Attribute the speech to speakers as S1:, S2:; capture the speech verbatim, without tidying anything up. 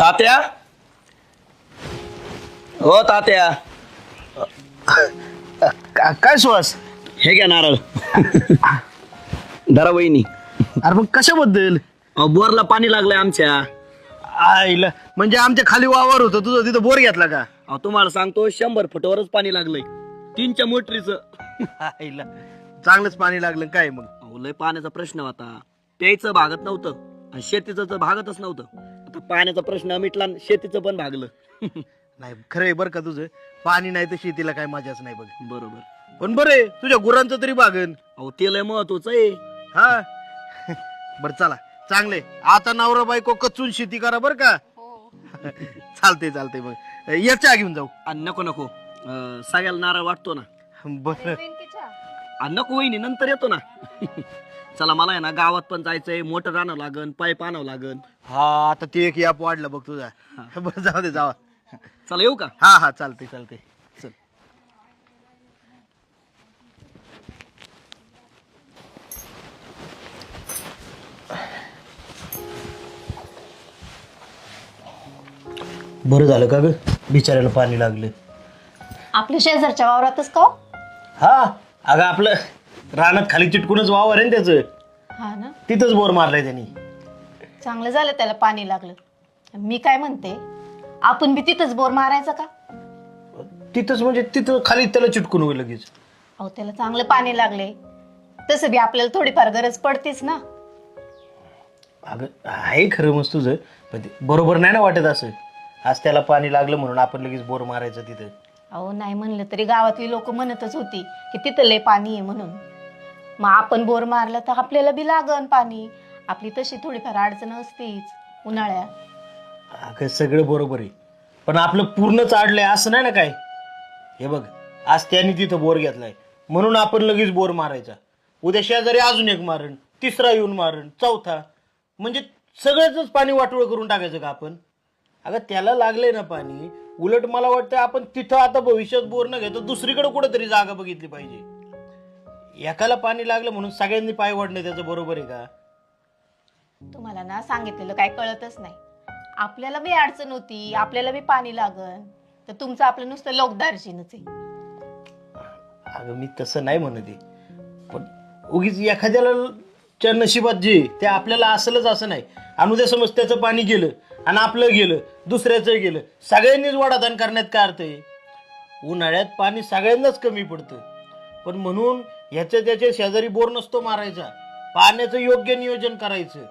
S1: तात्या हो तात्या
S2: का- काय सुहास?
S1: हे घ्या नारळ धरा वहिनी.
S2: अरे मग कशाबद्दल?
S1: अहो, बोरला पाणी लागलंय आमच्या.
S2: आईला म्हणजे आमच्या खाली वावर होतं तुझं, तिथं बोर घेतला का?
S1: अहो, तुम्हाला सांगतो शंभर फुटावरच पाणी लागलंय तीनच्या मोटरीचं.
S2: आईला चांगलंच पाणी लागलं काय मग?
S1: अहो, लय पाण्याचा प्रश्न होता. प्यायचं भागत नव्हतं आणि शेतीचं तर भागतच नव्हतं. आता पाण्याचा प्रश्न मिटला आणि शेतीचं पण भागलं.
S2: नाही खरं आहे बरं का तुझं. पाणी नाही तर शेतीला काय मजाच नाही बघ.
S1: बरोबर.
S2: पण बरं आहे तुझ्या गुरांचं तरी बागन.
S1: अहो ते लय महत्वाचं आहे.
S2: हा बरं चला चांगले. आता नवरा बायको कचून शेती करा बरं का. चालते चालते मग या चहा घेऊन जाऊ.
S1: आणि नको नको अं, सगळ्याला नारळ वाटतो ना.
S2: बरं
S1: आणि नको वहिनी नंतर येतो ना. चला मला आहे ना गावात पण जायचंय. मोटर आणावं लागन, पाईप आणावं लागन.
S2: हा आता ते एक याप वाढलं बघ तुझा. बरं जाऊ दे जावा.
S1: चला येऊ का?
S2: हा हा चालते चालते चल. बरं झालं का ग बिचाऱ्याला पाणी लागलं.
S3: आपल्या शेजारच्या वावरातच का हो?
S2: हा अगं आपलं रानात खाली चिटकूनच वावर आहे ना त्याचं.
S3: हा ना,
S2: तिथंच बोर मारलाय त्यांनी.
S3: चांगलं झालं त्याला पाणी लागलं. मी काय म्हणते, आपण बी तिथंच बोर मारायचा का?
S2: तिथंच म्हणजे तिथं खाली त्याला चिटकून होईल लगेच.
S3: अहो त्याला चांगलं पाणी लागले, तसं बी आपल्याला थोडीफार गरज पडतेच ना.
S2: अगं आहे खरं मस्त तुझं, पण ते बरोबर नाही ना वाटत असं. आज त्याला पाणी लागलं म्हणून आपण लगेच बोर मारायचं तिथं.
S3: अहो नाही म्हणलं तरी गावातली लोक म्हणतच होती की तिथं लय पाणी आहे म्हणून. मग आपण बोर मारलं तर आपल्याला बी लागन पाणी. आपली तशी थोडीफार अडचण असतेच उन्हाळ्यात.
S2: अगं सगळं बरोबर आहे, पण आपलं पूर्ण चाडलंय असं नाही ना काय. हे बघ आज त्याने तिथं बोर घेतलाय म्हणून आपण लगेच बोर मारायचा. उद्या शेजारी अजून एक मारण, तिसरा येऊन मारण, चौथा, म्हणजे सगळ्याच पाणी वाटोळ करून टाकायचं का आपण? अगं त्याला लागलंय ना पाणी. उलट मला वाटतं आपण तिथं आता भविष्यात बोर न घेता दुसरीकडे कुठेतरी जागा बघितली पाहिजे. एकाला पाणी लागलं म्हणून सगळ्यांनी पाय वाढणं त्याचं बरोबर आहे का?
S3: तुम्हाला ना सांगितलेलं काय कळतच नाही. आपल्याला बी अडचण होती, आपल्याला बी पाणी लागन, तर तुमचं आपलं नुसतं लोकदार्जीनच आहे.
S2: अगं मी तसं नाही म्हणत आहे, पण उगीच एखाद्याला च्या नशिबात जे ते आपल्याला असलंच असं नाही. आणि उद्या समज त्याचं पाणी गेलं आणि आपलं गेलं, दुसऱ्याचं गेलं, सगळ्यांनीच वडादान करण्यात काय अर्थ आहे? उन्हाळ्यात पाणी सगळ्यांनाच कमी पडतं, पण म्हणून ह्याच्या त्याच्या शेजारी बोर नसतो मारायचा. पाण्याचं योग्य नियोजन करायचं.